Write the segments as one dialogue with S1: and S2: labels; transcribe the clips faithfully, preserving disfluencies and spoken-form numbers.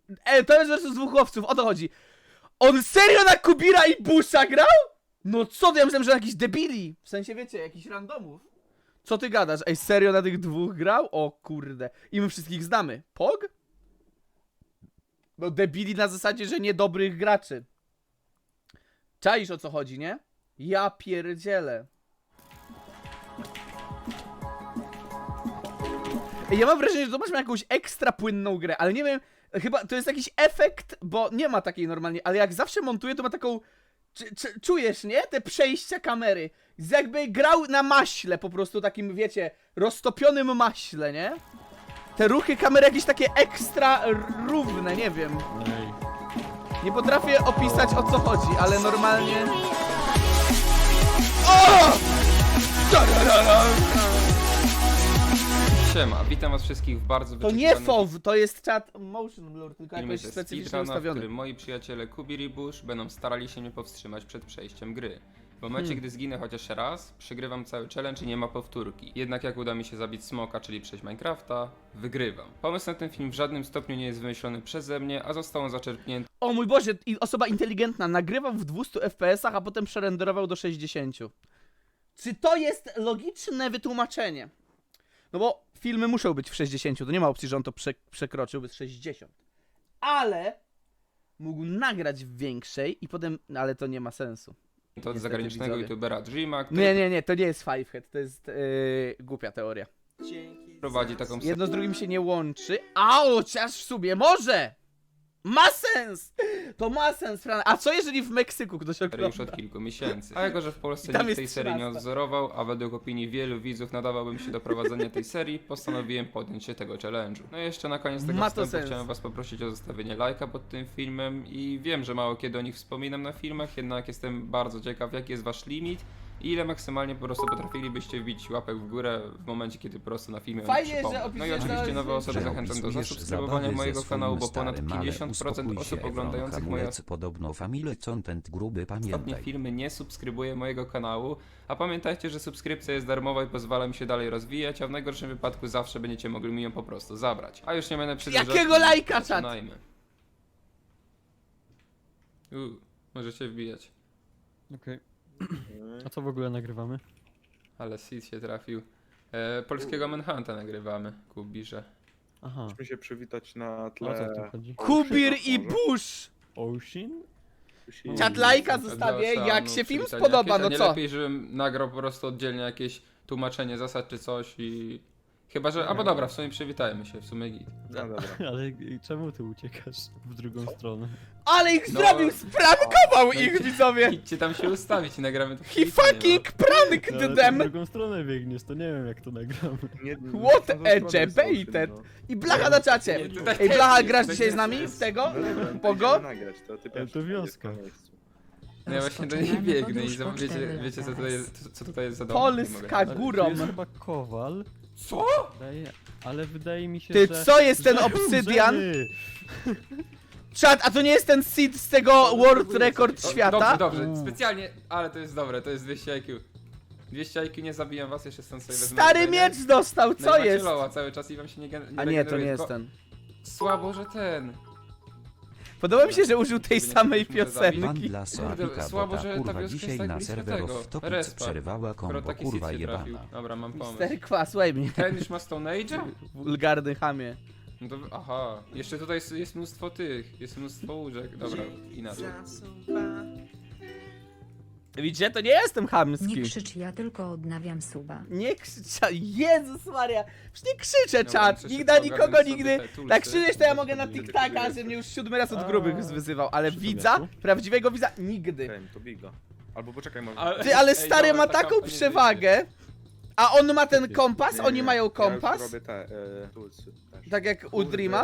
S1: E, to jest versus dwóch łowców, o to chodzi. On serio na Kubira i Busha grał? No co ty, ja myślałem, że na jakiś debili. W sensie, wiecie, jakichś randomów. Co ty gadasz? Ej, serio na tych dwóch grał? O kurde. I my wszystkich znamy. Pog? No debili na zasadzie, że niedobrych graczy. Czaisz, o co chodzi, nie? Ja pierdzielę. Ej, ja mam wrażenie, że zobaczmy jakąś ekstra płynną grę, ale nie wiem, chyba to jest jakiś efekt, bo nie ma takiej normalnie, ale jak zawsze montuję, to ma taką... Czy, czy, czujesz, nie? Te przejścia kamery. Z jakby grał na maśle, po prostu takim, wiecie, roztopionym maśle, nie? Te ruchy kamery jakieś takie ekstra równe, nie wiem.
S2: Ej.
S1: Nie potrafię opisać, o co chodzi, ale normalnie... O!
S3: Siema, witam was wszystkich w bardzo
S1: To nie F O W, to jest czat Motion Blur, tylko
S3: filmie
S1: jakoś
S3: ze
S1: specyficznie
S3: speedruna, w
S1: ustawiony.
S3: którym moi przyjaciele Kubir i Bush będą starali się mnie powstrzymać przed przejściem gry. W momencie,
S1: Hmm.
S3: gdy zginę chociaż raz, przegrywam cały challenge i nie ma powtórki. Jednak jak uda mi się zabić smoka, czyli przejść Minecrafta, wygrywam. Pomysł na ten film w żadnym stopniu nie jest wymyślony przeze mnie, a został on zaczerpnięty
S1: O mój Boże, i osoba inteligentna nagrywał w dwustu F P S ach, a potem przerenderował do sześćdziesięciu. Czy to jest logiczne wytłumaczenie? No bo filmy muszą być w sześćdziesięciu, to nie ma opcji, że on to prze przekroczył bez sześćdziesiąt. Ale mógł nagrać w większej i potem... Ale to nie ma sensu.
S3: od
S1: Niestety,
S3: zagranicznego
S1: widzowie.
S3: youtubera Dreama, który
S1: Nie, nie, nie, to nie jest Fivehead, to jest yy, głupia teoria.
S3: prowadzi taką
S1: Jedno z drugim się nie łączy, a chociaż w sumie może! Ma sens! To ma sens, Fran. A co jeżeli w Meksyku ktoś
S3: serię już
S1: ogląda?
S3: od kilku miesięcy. A jako, że w Polsce
S1: Tam
S3: nikt
S1: jest
S3: tej serii nie
S1: trzynasta.
S3: odzorował, a według opinii wielu widzów nadawałbym się do prowadzenia tej serii, postanowiłem podjąć się tego challenge'u. No i jeszcze na koniec tego
S1: Ma to
S3: wstępu
S1: sens.
S3: chciałem was poprosić o zostawienie lajka pod tym filmem i wiem, że mało kiedy o nich wspominam na filmach, jednak jestem bardzo ciekaw, jaki jest wasz limit i ile maksymalnie po prostu potrafilibyście wbić łapek w górę w momencie, kiedy po prostu na filmie
S1: Fajnie,
S3: przypomnę.
S1: że
S3: No i
S1: opisujesz
S3: oczywiście
S1: to-
S3: nowe osoby
S1: że
S3: zachęcam do
S4: opisujesz
S3: zasubskrybowania
S4: zabawy
S3: mojego
S4: ze
S3: kanału, bo
S4: swoim
S3: ponad
S4: starym, ale
S3: pięćdziesiąt procent
S4: uspokój
S3: osób
S4: się,
S3: oglądających moje
S4: hamulec, podobno family content gruby,
S3: ostatnie
S4: pamiętaj.
S3: filmy nie subskrybuje mojego kanału, a pamiętajcie, że subskrypcja jest darmowa i pozwala mi się dalej rozwijać, a w najgorszym wypadku zawsze będziecie mogli mi ją po prostu zabrać. A już nie będę przedłużać.
S1: Jakiego lajka, czat?
S3: Zaczynajmy. Uuu, możecie wbijać.
S2: Okej. A co w ogóle nagrywamy?
S3: Ale Sid się trafił. E, polskiego Manhunta nagrywamy, Kubirze.
S2: Aha.
S5: Musimy się przywitać na
S2: O
S5: tle...
S2: co w tym chodzi?
S1: Kubir i
S5: Może?
S1: Bush!
S2: Ocean?
S1: Czat lajka
S3: Do
S1: zostawię,
S3: oceanu,
S1: jak się film
S3: przywitania
S1: spodoba,
S3: jakieś, a
S1: no
S3: nie
S1: co?
S3: lepiej, żebym nagrał po prostu oddzielnie jakieś tłumaczenie zasad czy coś i... Chyba, że... Albo dobra, w sumie przywitajmy się, w sumie git.
S5: No dobra.
S2: Ale czemu ty uciekasz w drugą stronę?
S1: Ale ich
S3: No.
S1: zrobił, sprankował
S3: No i-
S1: ich, widzowie!
S3: Idźcie tam się ustawić i nagramy to
S1: He
S3: przywitanie, no.
S1: fucking pranked
S2: No, ale ty w
S1: them!
S2: drugą stronę biegniesz, to nie wiem jak to nagramy.
S5: Nie,
S1: What
S5: nie,
S1: a
S5: nie, nie,
S1: debated.
S5: no.
S1: I Blacha na czacie!
S3: Nie, tutaj
S1: Ej,
S3: też
S1: Blacha,
S3: jest,
S1: grasz
S3: tutaj
S1: dzisiaj z
S3: też
S1: nami
S3: jest.
S1: w tego?
S5: No dobra,
S1: Pogo?
S5: będziemy nagrać, to ty
S2: Ale
S5: pierwszy
S2: to
S5: będziesz
S2: wioska.
S5: na miejscu.
S3: No ja właśnie do niej
S6: Rozpoczynamy
S3: biegnę i
S6: podróż
S3: zobacz-
S6: po
S3: wiecie,
S6: czterech
S3: wiecie co
S6: latach.
S3: tutaj jest, co tutaj jest za dom.
S1: Polska
S2: Ale
S1: górą.
S2: tu jest chyba kowal.
S3: Co?
S2: Wydaje, ale wydaje mi się,
S1: Ty,
S2: że...
S1: co jest ten
S2: że
S1: obsydian?
S2: umrzemy.
S1: Czat, a to nie jest ten seed z tego World Record
S3: O,
S1: świata?
S3: Dobrze, dobrze,
S2: Uuu.
S3: specjalnie, ale to jest dobre, to jest dwieście I Q. dwieście I Q, nie zabijam was, jeszcze stąd sobie wezmę
S1: Stary
S3: jedzenie.
S1: miecz dostał,
S3: No i
S1: co
S3: macie
S1: jest?
S3: loła cały czas i wam się nie, gen-
S1: A nie, to nie
S3: regeneruje,
S1: jest
S3: tylko
S1: ten.
S3: Słabo, że ten.
S1: Podoba mi się, że użył tej
S3: Żeby nie
S1: samej
S3: ktoś może zabić.
S4: Pan
S1: piosenki.
S4: dla
S3: Kurde,
S4: Soapika,
S3: słabo,
S4: bo
S3: że
S4: ta
S3: ta
S4: kurwa
S3: wioska jest
S4: dzisiaj
S3: tak
S4: na
S3: blisko
S4: serwerów
S3: tego,
S4: w topic
S3: respa.
S4: przerwała
S3: Skoro
S4: kombo,
S3: taki
S4: kurwa
S3: sit się trafił.
S4: jebana.
S3: Dobra, mam pomysł.
S1: Mister Kwa, słuchaj mnie.
S3: Ten już ma Stone Age'a?
S1: Wulgarny chamie.
S3: No to, aha, jeszcze tutaj jest, jest mnóstwo tych, jest mnóstwo łóżek. Dobra, inaczej.
S1: Widzicie, to nie jestem chamski.
S6: Nie krzycz, ja tylko odnawiam suba.
S1: Nie krzyczę, Jezus Maria, przecież nie krzyczę,
S3: Dobra,
S1: czat,
S3: muszę
S1: nigdy
S3: szybko
S1: na nikogo
S3: ogarnąć
S1: nigdy,
S3: sobie te tulsy.
S1: tak krzyczeć to ja mogę na
S3: Wtedy
S1: TikTaka,
S3: wtedy
S1: że mnie już siódmy raz od
S2: A,
S1: grubych wyzywał, ale
S2: przy
S1: widza,
S2: domiaku?
S1: prawdziwego widza, nigdy.
S5: Ten, to biga. Albo poczekaj, może...
S3: Ale-
S1: Ty, ale
S3: Ej,
S1: stary
S3: dobra,
S1: ma
S3: ta
S1: taką
S3: kampa nie
S1: przewagę, a on ma ten kompas,
S5: Nie,
S1: oni
S5: nie,
S1: mają
S5: Ja
S1: kompas,
S5: już robię te, e, tulsy też.
S1: tak jak u
S3: Kurde.
S1: Dreama,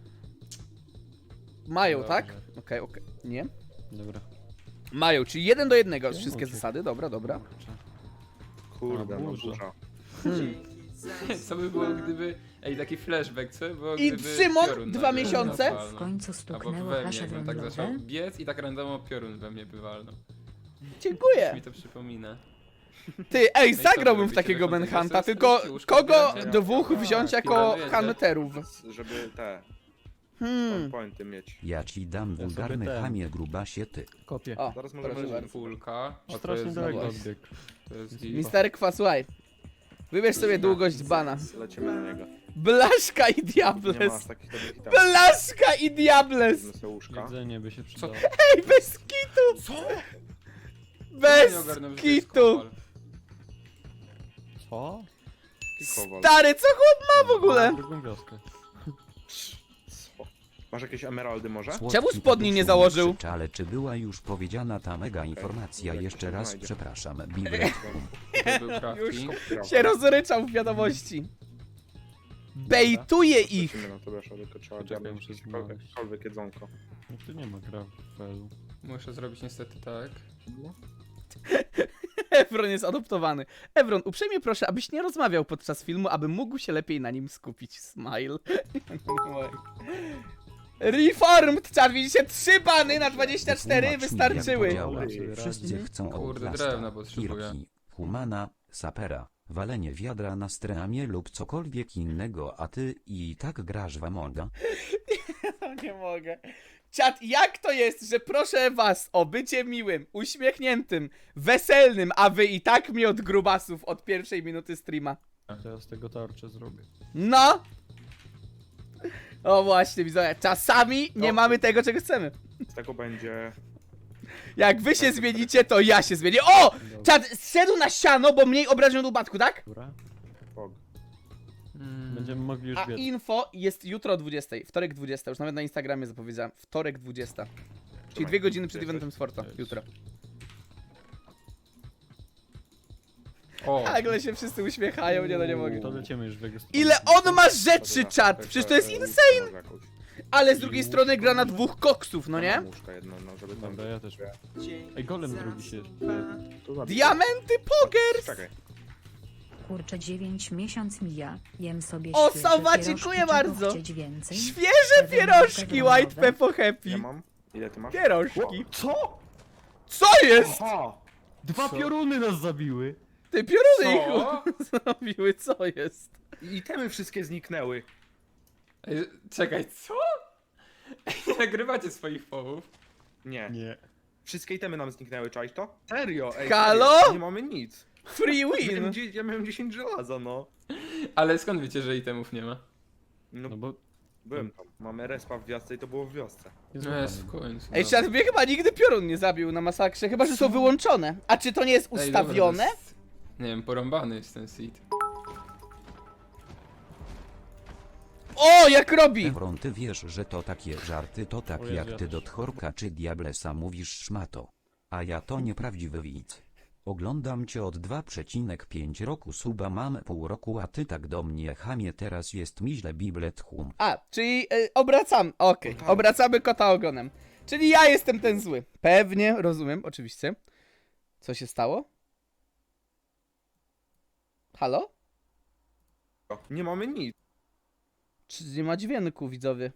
S1: mają,
S3: Dobrze.
S1: tak? Okej, okej, nie?
S2: Dobra.
S1: Mają, czyli jeden do jednego,
S2: Czemu
S1: wszystkie
S2: cię-
S1: zasady, dobra, dobra.
S5: Kurde,
S2: A,
S5: no
S2: burza.
S5: burza.
S1: Hmm.
S3: Co by było gdyby... Ej, taki flashback, co by było
S1: I
S3: gdyby
S1: Szymon,
S3: piorun
S1: dwa
S3: nagle
S1: miesiące?
S3: walnął?
S6: W końcu
S3: Albo
S6: stuknęło
S3: we mnie,
S6: wasze
S3: jakbym tak zaczął
S6: węglowe.
S3: biec i tak randomo piorun we mnie wywalnął.
S1: Dziękuję.
S3: Mi to przypomina.
S1: Ty, ej,
S3: No i co
S1: zagrałbym w
S3: robicie?
S1: takiego
S3: Wychodzą
S1: Manhunta,
S3: ze
S1: tylko
S3: skrytki, łóżko
S1: kogo
S3: otwieracie?
S1: dwóch
S3: A,
S1: wziąć jako
S3: pilnujecie?
S1: hunterów?
S5: Żeby te...
S1: Hmm.
S5: Pointy mieć.
S4: Ja ci dam
S2: Ja
S4: wulgarny
S2: sobie ten.
S4: chamie grubasie ty.
S2: Kopię.
S1: O,
S5: Zaraz
S1: proszę
S5: możemy...
S1: bardzo.
S3: Fulka. A to
S2: Strasznie
S3: jest
S2: daleko
S3: długość.
S2: odbieg.
S3: To jest
S1: Mister Kwa, słuchaj. Wybierz sobie długość bana.
S5: Lecimy na niego.
S1: Blaszka i
S5: Nie ma
S1: Diables.
S5: aż takich dobrych hitów.
S1: Blaszka i Diables.
S5: Wezmę sobie łóżka.
S2: Jedzenie by się przydało.
S1: Ej, bez kitu.
S3: Co?
S1: Bez
S3: Nie ogarnąłem, że to jest
S1: kitu.
S3: kowal.
S2: Co?
S5: Kikowal.
S1: Stary, co chłop ma w ogóle?
S2: Drugą wioskę.
S5: Co? Masz jakieś emeraldy może?
S4: Słodki
S1: Czemu spodni nie
S4: Tadeuszu
S1: założył?
S4: krzycz, Ale czy była już powiedziana ta mega informacja?
S5: Jak
S4: Jeszcze
S5: się
S4: raz
S5: znajdzie.
S4: przepraszam, Biblet.
S3: To był crafting.
S1: Się rozryczał w wiadomości. Bejtuje ich.
S5: Lecimy na to, wiesz, tylko trzeba
S2: Czekaj,
S5: dziabnąć
S2: muszę
S5: jakiekolwiek
S2: znaleźć.
S5: jakiekolwiek jedzonko.
S2: No tu nie ma grafelu.
S3: Muszę zrobić niestety tak.
S1: Evron jest adoptowany. Evron, uprzejmie proszę, abyś nie rozmawiał podczas filmu, aby mógł się lepiej na nim skupić. Smile. Reformed, czar, widzicie? Trzy bany na dwadzieścia cztery
S4: Wytłumacz mi,
S1: wystarczyły.
S4: jak to działa.
S2: Ej,
S4: Wszyscy
S2: radny.
S4: chcą
S3: Kurde,
S4: Outlasta,
S3: drewna potrzebuję.
S4: Kirki, Humana, Sapera, walenie wiadra na streamie lub cokolwiek innego, a ty i tak grasz w Amonga?
S1: No nie mogę. Czat, jak to jest, że proszę was o bycie miłym, uśmiechniętym, weselnym, a wy i tak mi od grubasów od pierwszej minuty streama?
S2: To ja z tego tarczę zrobię.
S1: No! O właśnie, widzowie, czasami nie
S5: O.
S1: mamy tego, czego chcemy.
S5: Z tego będzie...
S1: Jak wy się zmienicie, to ja się zmienię. O! Czat, zszedł na siano, bo mniej obrażeń do upadku, tak?
S2: Dobra.
S5: Pog.
S3: Mm.
S2: Będziemy mogli już
S1: A
S2: biec.
S1: info jest jutro o dwudziestej, wtorek dwudziesta, już nawet na Instagramie zapowiedziałem. Wtorek dwudziesta. Czyli
S5: Trzymaj,
S1: dwie godziny przed
S5: jesteś?
S1: eventem z Forta,
S2: Jest.
S1: jutro.
S3: O,
S1: Nagle się wszyscy uśmiechają, nie no nie mogę.
S2: To lecimy już w jego stronę.
S1: Ile on ma rzeczy,
S5: Dobra,
S1: czat!
S5: tak,
S1: Przecież to jest
S5: e,
S1: insane!
S5: może jakąś.
S1: Ale z drugiej strony gra na dwóch koksów, no
S5: Ja
S1: nie?
S5: mam łóżka jedno, no żeby tam...
S2: Dobra, ja też. Ej, golem drugi się jeszcze.
S5: To zabij.
S1: Diamenty Pogers!
S5: Czekaj.
S6: Kurczę, dziewięć miesiąc mija. Jem sobie
S1: O,
S6: świeże
S1: Sowa,
S6: pierożki,
S1: dziękuję
S6: czego
S1: bardzo.
S6: chcieć więcej?
S1: Świeże pierożki White Peppo
S5: Ja
S1: Happy!
S5: mam. Ile ty masz?
S1: Pierożki.
S2: Co?
S1: Co jest?
S5: Aha!
S2: Dwa pioruny nas zabiły!
S1: Ty pioruny ich
S3: co?
S1: zrobiły, co jest?
S5: I itemy wszystkie zniknęły.
S3: Ej, czekaj, co? Ej, nie nagrywacie swoich połów.
S5: Nie.
S2: Nie.
S5: Wszystkie itemy nam zniknęły, czaisz to? Serio, ej.
S1: Halo?
S5: Serio, nie mamy nic.
S1: Free
S5: Ja
S1: win!
S5: miałem, dzie- ja miałem dziesięć żelaza, no.
S3: Ale skąd wiecie, że itemów nie ma?
S5: No,
S2: No bo...
S5: byłem tam. Mamy respa w wiosce i to było w wiosce.
S2: Jest
S3: No jest w
S2: złapany.
S3: końcu.
S1: Ej,
S3: dobra.
S1: czat mnie chyba nigdy piorun nie zabił na masakrze, chyba że są wyłączone. A czy to nie jest
S3: Ej, dobra,
S1: ustawione?
S3: to jest- Nie wiem, porąbany jest ten seed.
S1: O, jak robi!
S4: Evron, ty wiesz, że to takie żarty to tak
S2: O Jezu,
S4: jak
S2: ja
S4: ty
S2: też.
S4: do Tchorka czy Diablesa mówisz szmato. A ja to nieprawdziwy widz. Oglądam cię od dwa przecinek pięć roku, suba mam pół roku, a ty tak do mnie chamie, teraz jest mi źle, Biblet hum.
S1: A, czyli y, obracam, okej,
S5: No tak.
S1: obracamy kota ogonem. Czyli ja jestem ten zły. Pewnie, rozumiem, oczywiście. Co się stało? Halo?
S5: Nie mamy nic.
S1: Czy nie ma dźwięku, widzowie?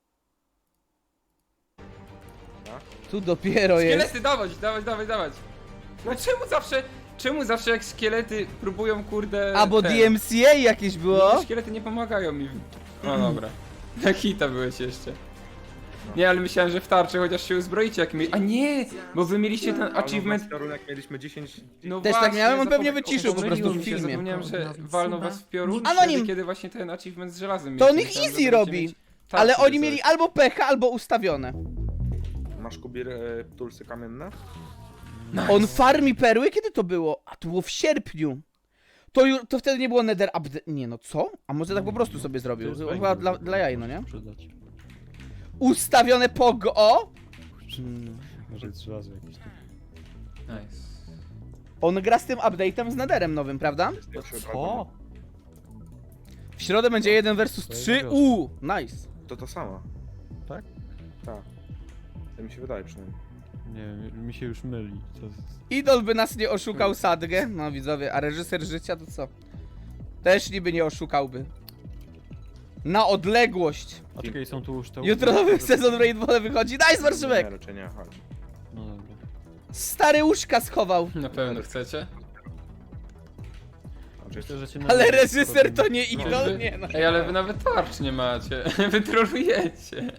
S5: Tak?
S1: Tu dopiero jest.
S3: Szkielety, dawać, dawać, dawać, dawać. No czemu zawsze, czemu zawsze jak szkielety próbują, kurde...
S1: A, bo
S3: ten-
S1: D M C A jakieś było?
S3: Nie, szkielety nie pomagają mi. w- No dobra. Na hita byłeś jeszcze. Nie, ale myślałem, że w tarczy chociaż się uzbroicie jak mi... A nie! Bo wy mieliście ten achievement...
S5: Achievement. mieliśmy dziesięć...
S3: No
S1: Też tak
S3: właśnie,
S1: miałem, on pewnie
S3: zapom-
S1: wyciszył po
S3: pomyliło
S1: prostu w
S3: mi się,
S1: filmie.
S3: Zapomniałem, że
S6: Nowy
S3: walną
S6: suba.
S3: was w piorun,
S1: Anonim.
S3: wtedy, kiedy właśnie ten achievement z żelazem
S1: To on
S3: mieliście.
S1: ich
S3: Myślałem,
S1: easy
S3: że
S1: robi.
S3: będziecie mieć
S1: Ale
S3: tarczy
S1: oni
S3: coś.
S1: mieli albo pecha, albo ustawione.
S5: Masz kubir e, tulsy kamienne?
S1: On farmi perły? Kiedy to było? A to było w sierpniu. To, ju- to wtedy nie było nether update. Nie no, co? A może tak po prostu sobie
S2: To
S1: zrobił?
S2: jest
S1: Chyba
S2: węgiel,
S1: dla,
S2: żeby
S1: dla jaj, no nie?
S2: Przydać.
S1: Ustawione pogo.
S2: Może jest żelazo jakieś tu.
S3: Nice.
S1: On gra z tym update'em z netherem nowym, prawda?
S5: Jest pierwszy
S2: Co?
S5: dragon.
S1: W środę będzie jeden versus
S2: To jest
S1: trzy.
S2: wiosna.
S1: Uuu, nice.
S5: To to samo.
S2: Tak?
S5: Tak. To mi się wydaje przynajmniej.
S2: Nie wiem, mi się już myli. To jest...
S1: Idol by nas nie oszukał Sadgę. No widzowie, a reżyser życia to co? Też niby nie oszukałby. Na odległość.
S2: A czekaj, są tu już te...
S1: Jutro nowy sezon Rainbow wychodzi. Nice, Warszymek!
S5: Nie, raczej nie, chodź.
S2: No dobra.
S1: Stary łóżka schował.
S3: Na pewno chcecie?
S2: Myślę, że cię
S1: Ale
S2: na-
S1: reżyser to nie
S3: No,
S1: idol,
S3: wy-
S1: nie no.
S3: Ej, ale wy nawet tarcz nie macie. Wy trolujecie.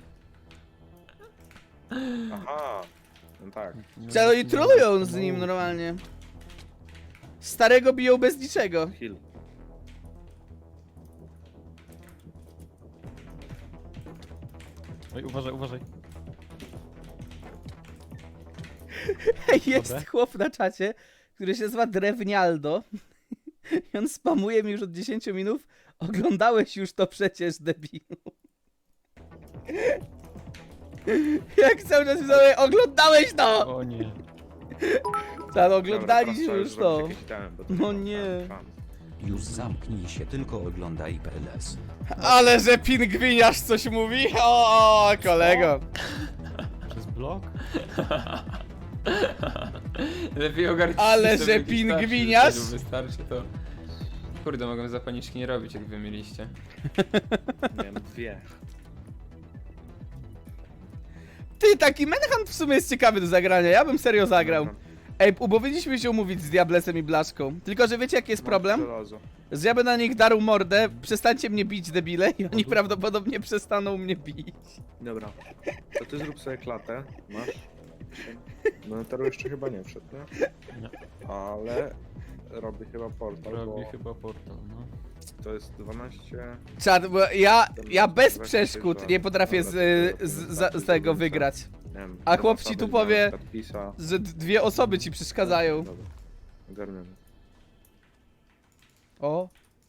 S5: Aha. No tak.
S1: Czaro i trolują z nim normalnie. Starego biją bez niczego.
S5: Heal.
S2: Oj, uważaj, uważaj.
S1: Jest
S2: Dobra.
S1: chłop na czacie, który się nazywa Drewnialdo. I on spamuje mi już od dziesięciu minut. Oglądałeś już to przecież, debilu. Jak cały czas widzowie, oglądałeś to!
S2: O nie.
S1: Tak, oglądaliśmy
S5: Dobra,
S1: już
S5: teraz trzeba
S1: to.
S5: zrobić jakieś itemy, bo to
S1: No
S5: ma
S1: nie.
S5: szans.
S4: Już zamknij się, tylko oglądaj P L S.
S1: Ale że pingwiniarz coś mówi? O, o kolego.
S2: Przez blok?
S3: Lepiej ogarnij
S1: Ale
S3: sobie
S1: że
S3: jakiś
S1: pingwiniarz?
S3: starszy, wystarczy to. Kurde, mogłem zapalniczki nie robić, jak wy mieliście.
S5: Miałem dwie.
S1: Ty, taki Manhunt w sumie jest ciekawy do zagrania, ja bym serio zagrał.
S5: Dobra.
S1: Ej, powinniśmy się umówić z Diablesem i Blaszką. Tylko, że wiecie jaki jest
S5: Mam
S1: problem?
S5: żelazo.
S1: Że ja będę na nich darł mordę, przestańcie mnie bić, debile, i oni prawdopodobnie przestaną mnie bić.
S5: Dobra. To ty zrób sobie klatę. Masz. No Tero jeszcze chyba nie wszedł, nie?
S2: Nie.
S5: Ale robi chyba portal,
S2: Robi
S5: bo
S2: chyba portal, no.
S5: to jest dwanaście...
S1: Czad, bo ja, ja bez przeszkód nie potrafię z, z, z, z tego wygrać.
S5: Nie wiem,
S1: A
S5: dwa
S1: chłop ci
S5: osoby,
S1: tu
S5: na
S1: powie-
S5: przykład Pisa.
S1: Że d- dwie osoby ci przeszkadzają.
S5: Dobra. Ogarniamy.
S1: O.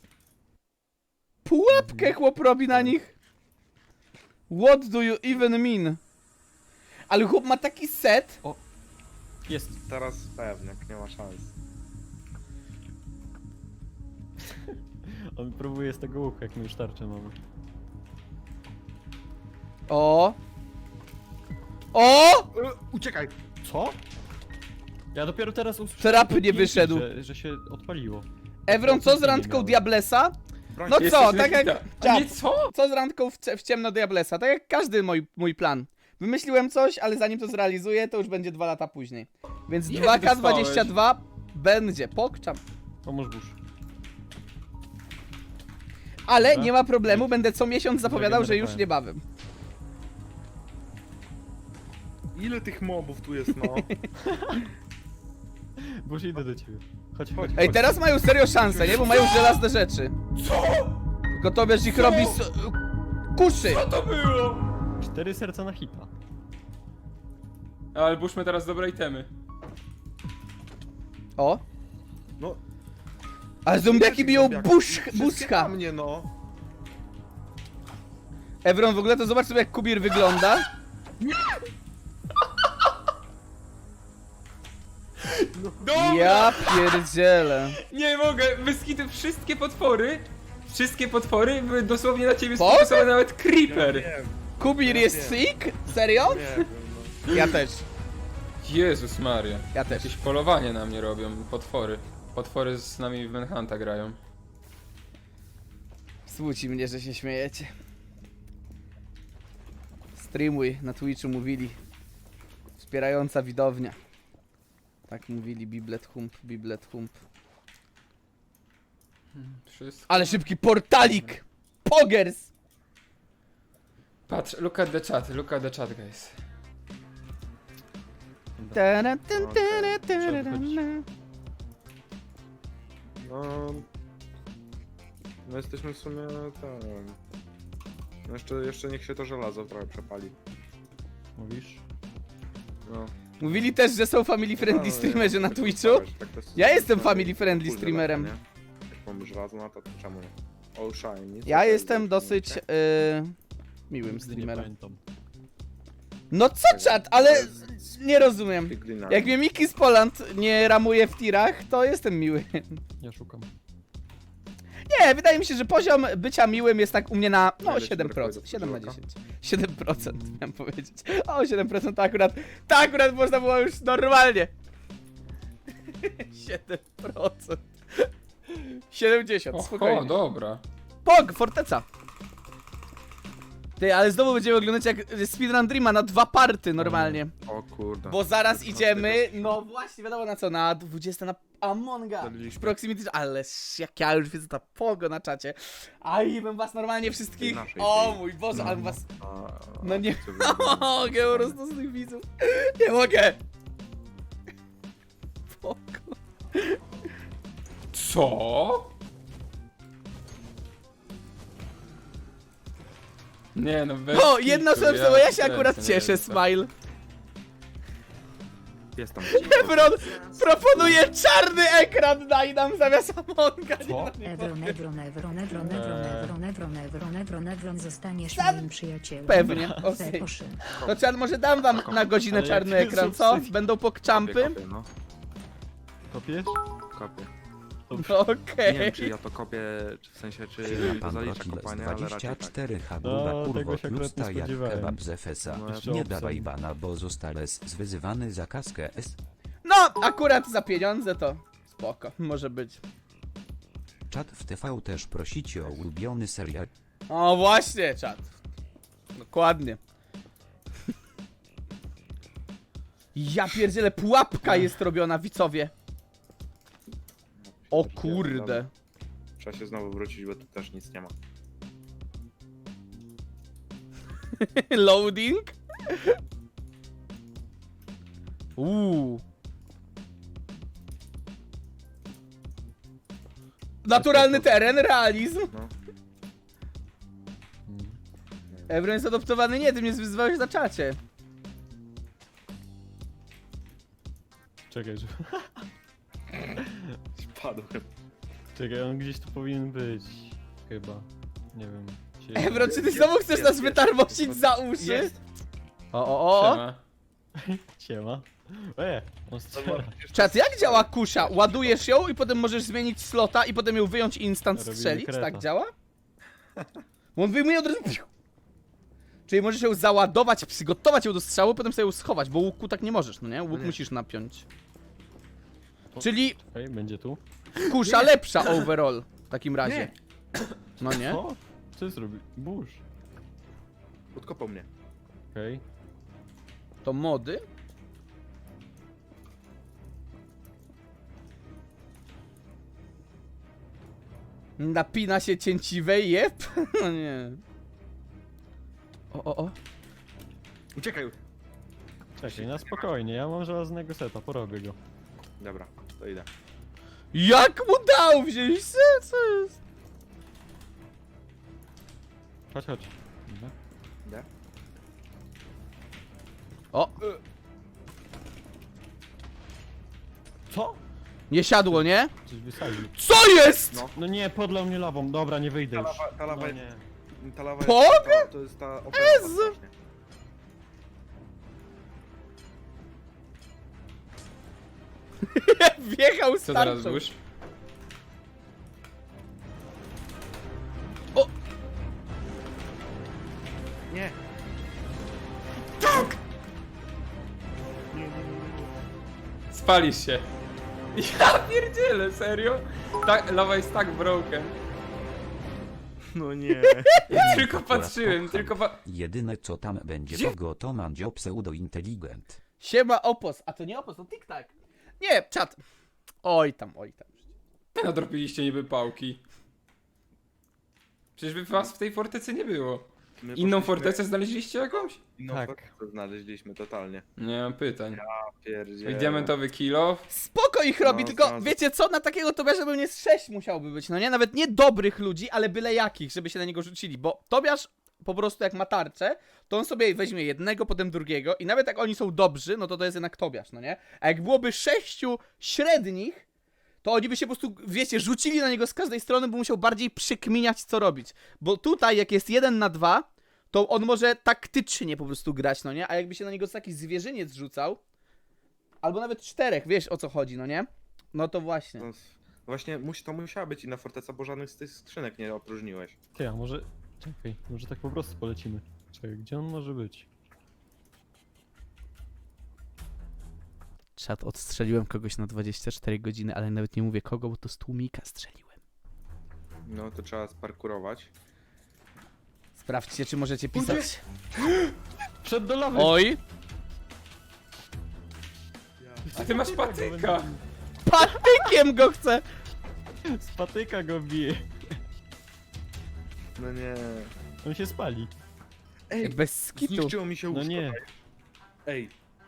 S1: Pułapkę chłop robi na nich. What do you even mean? Ale chłop ma taki set.
S2: Jest.
S5: Teraz pewnie, nie ma szans.
S2: On próbuje z tego łuku, jak my już tarczę mamy.
S1: O. O!
S5: Uciekaj!
S2: Co? Ja dopiero teraz usłyszałem...
S1: Trap
S2: to
S1: nie
S2: T N T,
S1: wyszedł.
S2: Że, że się odpaliło.
S1: Ewron, co z
S2: Nie
S1: randką
S2: miałem.
S1: Diablesa?
S5: Broń
S1: No
S5: się.
S1: co,
S3: Jesteś
S1: tak
S3: na
S1: jak...
S3: hita. A
S1: Czad,
S3: nie, co?
S1: co z randką w, cie- w ciemno Diablesa? Tak jak każdy mój, mój plan. Wymyśliłem coś, ale zanim to zrealizuję, to już będzie dwa lata później. Więc
S3: Ile
S1: dwa K
S3: dostałeś?
S1: dwadzieścia dwa będzie, pokczam.
S2: Pomóż burz.
S1: Ale
S2: Dobra.
S1: nie ma problemu, będę co miesiąc zapowiadał, że już
S2: Zagenerowałem.
S1: niebawem.
S5: Ile tych mobów tu jest, no?
S2: Burz, idę do ciebie. Chodź,
S5: Chodź.
S2: chodź.
S1: Ej, teraz mają serio szansę, nie? Bo mają żelazne rzeczy.
S3: Co?
S1: Tylko to wiesz, ich robi s- kuszy.
S3: Co to było?
S2: Cztery serca na hita.
S3: Ale burzmy teraz dobre itemy.
S1: O.
S5: No.
S1: Ale zombiaki biją
S5: Zombiaki.
S1: busz,
S5: Wszystkie
S1: buszka.
S5: na mnie, no.
S1: Evron, w ogóle to zobacz sobie jak Kubir wygląda.
S3: Dobra!
S1: Ja pierdzielę.
S3: Nie mogę, wyskity wszystkie potwory. Wszystkie potwory były dosłownie na ciebie
S1: Boże!
S3: sfokusowane, nawet
S5: Ja
S3: creeper.
S5: wiem,
S1: Kubir
S5: Ja
S1: jest
S5: wiem.
S1: sick? Serio?
S5: nie wiem, no.
S1: Ja też.
S3: Jezus Maria.
S1: Ja też.
S3: Jakieś polowanie na mnie robią, potwory. Potwory z nami w Manhunta grają.
S1: Smuci mnie, że się śmiejecie. Streamuj, na Twitchu mówili. Wspierająca widownia. Tak mówili, Biblet Hump, Biblet Hump.
S3: Wszystko.
S1: Ale szybki portalik! Pogers!
S3: Patrz, look at the chat, look at the chat, guys.
S1: Tara, tyn, tara, tara,
S2: Trzeba
S1: na.
S5: No... No jesteśmy w sumie ten... No jeszcze, jeszcze niech się to żelazo trochę przepali.
S2: Mówisz?
S5: No.
S1: Mówili też, że są family friendly
S5: No,
S1: streamerzy
S5: nie,
S1: na
S5: tak
S1: Twitchu.
S5: zostawiać, tak to jest-
S1: Ja jestem
S5: to
S1: family
S5: jest
S1: friendly
S5: full
S1: streamerem.
S5: żelazo, nie? Jak mamy żelazo, no to czemu nie? All shine. nic
S1: Ja
S5: takiego,
S1: jestem
S5: nie?
S1: dosyć yy, miłym
S2: Nigdy nie
S1: streamerem.
S2: pamiętam.
S1: No co czat, ale nie rozumiem.
S5: Big Green
S1: Jak mnie Miki z Poland nie ramuje w tirach, to jestem miły.
S2: Ja szukam.
S1: Nie, wydaje mi się, że poziom bycia miłym jest tak u mnie na no
S5: Ile ci
S1: siedem
S5: brakuje
S1: procent.
S5: do
S1: siedem na
S5: podwórka?
S1: dziesięć. siedem procent miałem powiedzieć. O, siedem procent to akurat, to akurat można było już normalnie. siedem procent. siedemdziesiąt,
S3: Oho,
S1: spokojnie.
S3: dobra.
S1: Pog, forteca. Ty, ale znowu będziemy oglądać jak Speedrun Dreama na dwa party normalnie.
S5: O kurde.
S1: Bo zaraz
S5: No,
S1: idziemy, no właśnie, wiadomo na co, na dwudzieste na Amonga.
S5: Zaliśmy.
S1: Proximity, ale jak ja już widzę ta pogo na czacie. Aj, bym was normalnie wszystkich,
S5: Naszej
S1: o
S5: tej.
S1: mój Boże, ale bym was,
S5: A,
S1: no nie
S5: co wy-
S1: mogę po prostu z tych widzów. Nie mogę. Pogo.
S3: Co? Nie no, bez
S1: O, jedna
S3: kitu,
S1: osoba, bo ja się
S3: kręcę,
S1: akurat
S3: nie
S1: cieszę,
S3: wiem, co.
S1: Smile.
S5: Jest tam.
S1: Ebron proponuje czarny ekran, daj nam zamiast Amonga. Nie, no, nie
S6: Evron, Evron, Evron, Evron, Evron, Evron, Evron, Evron, Evron, Evron, zostaniesz
S1: Sam-
S6: moim przyjacielem.
S1: Pewnie, okej.
S6: Proszę.
S1: To czar, może dam wam na godzinę
S2: Ale
S1: czarny
S2: jakie
S1: ekran,
S2: są
S1: co?
S2: psy-
S1: Będą pokczampy?
S5: Kopię, no.
S2: Kopiesz?
S5: Kopię.
S2: Dobrze.
S5: Nie
S1: Okej.
S5: wiem, czy ja to kopię, czy w sensie, czy
S4: Chwila
S5: to
S4: pan
S5: zalicza
S4: Rokiles
S5: kopanie, ale raczej tak.
S4: dwadzieścia cztery
S2: No,
S4: Habuba kurwo
S2: tego się akurat
S4: tłusta
S2: nie
S4: jak
S2: spodziewałem.
S4: kebab z F S A.
S5: No,
S2: jeszcze
S4: Nie
S2: obsam.
S4: dawaj bana, bo zostales zwyzywany za kaskę S.
S1: No, akurat za pieniądze to spoko, może być.
S4: Czat w T V też prosicie o ulubiony serial.
S1: O, właśnie, czat. Dokładnie. Ja pierdzielę, pułapka jest robiona, widzowie. O kurde.
S5: Trzeba się znowu wrócić, bo tu też nic nie ma.
S1: Loading? Uuu. Naturalny teren, realizm.
S5: No.
S1: Ebron jest adoptowany, nie, ty mnie wyzwałeś na czacie.
S2: Czekaj, że...
S5: Spadłem.
S2: Czekaj, on gdzieś tu powinien być. Chyba. Nie wiem. Się...
S1: Ebron, czy ty znowu chcesz
S5: jest,
S1: nas
S5: jest.
S1: wytarmosić za uszy?
S5: Jest.
S1: O, o, o.
S3: Siema.
S2: Siema. E, on strzela.
S1: Czat, jak działa kusza? Ładujesz ją i potem możesz zmienić slota i potem ją wyjąć i instant
S2: Robimy
S1: strzelić?
S2: kreta.
S1: Tak działa? Bo on wyjmuje od razu... Czyli możesz ją załadować, przygotować ją do strzału, potem sobie ją schować, bo łuku tak nie możesz, no nie? Łuk
S5: Nie.
S1: musisz napiąć. Czyli
S2: Okej, będzie tu.
S1: kusza lepsza overall w takim razie. No nie?
S2: O, co zrobi? Burz.
S5: Podkopał mnie.
S2: Okej.
S1: To mody? Napina się cięciwe, jep. No nie. O, o, o.
S5: Uciekaj!
S2: Czekaj, na spokojnie, ja mam żelaznego seta, porobię go.
S5: Dobra, to idę.
S1: Jak mu dał wziąć? Co, co jest?
S2: Chodź, chodź. Dobra.
S5: Idę.
S1: O,
S2: Co?
S1: nie siadło, nie?
S2: Coś wysadził.
S1: Co jest?
S5: No.
S2: No nie, podlał mnie lawą. Dobra, nie wyjdę
S5: Ta
S2: już.
S5: lawa, ta lawa,
S2: No
S5: jest,
S2: nie.
S5: ta lawa
S1: Pog?
S5: jest, ta, to jest ta opera
S1: Jezu.
S5: właśnie.
S1: Wjechał
S3: Co teraz
S1: starczą.
S3: burz?
S5: Nie!
S3: Spalisz się. Ja pierdzielę, serio? Tak, lawa jest tak broken.
S5: No nie!
S3: Tylko patrzyłem, tylko pa...
S4: Jedyne co tam będzie
S3: Gdzie?
S4: kogo to mandzio pseudo-inteligent.
S1: Siema opos, a to nie opos, to TikTok. Nie, czat. Oj tam, oj tam.
S3: Nadropiliście niby pałki. Przecież by was w tej fortecy nie było.
S5: My
S3: Inną
S5: poszliśmy-
S3: fortecę znaleźliście jakąś?
S5: Inną
S2: Tak.
S5: fortecę znaleźliśmy totalnie.
S3: Nie mam pytań.
S5: Pierdziele.
S3: I diamentowy kilo.
S1: Spoko ich robi,
S5: No,
S1: tylko
S5: no, to-
S1: wiecie co? Na takiego Tobiasza bym nie z sześć musiałby być, no nie? Nawet nie dobrych ludzi, ale byle jakich, żeby się na niego rzucili, bo Tobiasz po prostu jak ma tarczę, to on sobie weźmie jednego, potem drugiego i nawet jak oni są dobrzy, no to to jest jednak Tobiasz, no nie? A jak byłoby sześciu średnich, to oni by się po prostu, wiecie, rzucili na niego z każdej strony, bo musiał bardziej przykminiać co robić. Bo tutaj jak jest jeden na dwa, to on może taktycznie po prostu grać, no nie? A jakby się na niego taki zwierzyniec rzucał, albo nawet czterech, wiesz o co chodzi, no nie? No to właśnie.
S5: No, właśnie musi, to musiała być inna forteca, bo żadnych z tych skrzynek nie opróżniłeś.
S2: Ty, a może... Czekaj, może tak po prostu polecimy. Czekaj, gdzie on może być?
S1: Czat, odstrzeliłem kogoś na dwadzieścia cztery godziny, ale nawet nie mówię kogo, bo to z tłumika strzeliłem.
S5: No to trzeba sparkurować.
S1: Sprawdźcie, czy możecie pisać.
S2: Przed do lawy!
S1: Oj!
S3: A ty masz patyka!
S1: Patykiem go chcę!
S2: Z patyka go bije.
S5: No nie.
S2: On się spali.
S5: Ej,
S1: Bez skitu.
S5: zniszczyło mi się
S2: No
S5: łóżko.
S2: nie.
S5: Ej.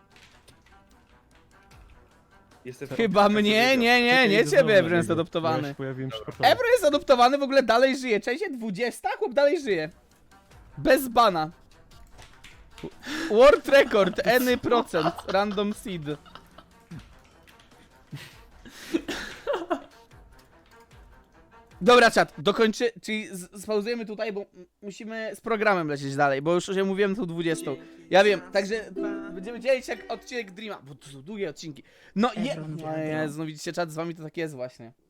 S5: Jestem
S1: Chyba mnie, nie, nie,
S2: Czekaj,
S1: nie
S2: znowu
S1: ciebie,
S2: na
S1: Ebro jest
S2: niego. Ja
S1: adoptowany.
S2: się pojawiłem przypadkowo.
S1: Ebro jest adoptowany, w ogóle dalej żyje. Cześć, dwudziesta? Chłop dalej żyje. Bez bana. World record, any procent, random seed. Dobra, czat, dokończy, czyli z- spauzujemy tutaj, bo m- musimy z programem lecieć dalej, bo już się mówiłem tą dwudziestą. Ja wiem, także będziemy dzielić jak odcinek Dreama, bo to są długie odcinki. No je...
S6: Ebron
S1: No
S6: wiadro.
S1: Jezu, no widzicie, czat, z wami to tak jest właśnie.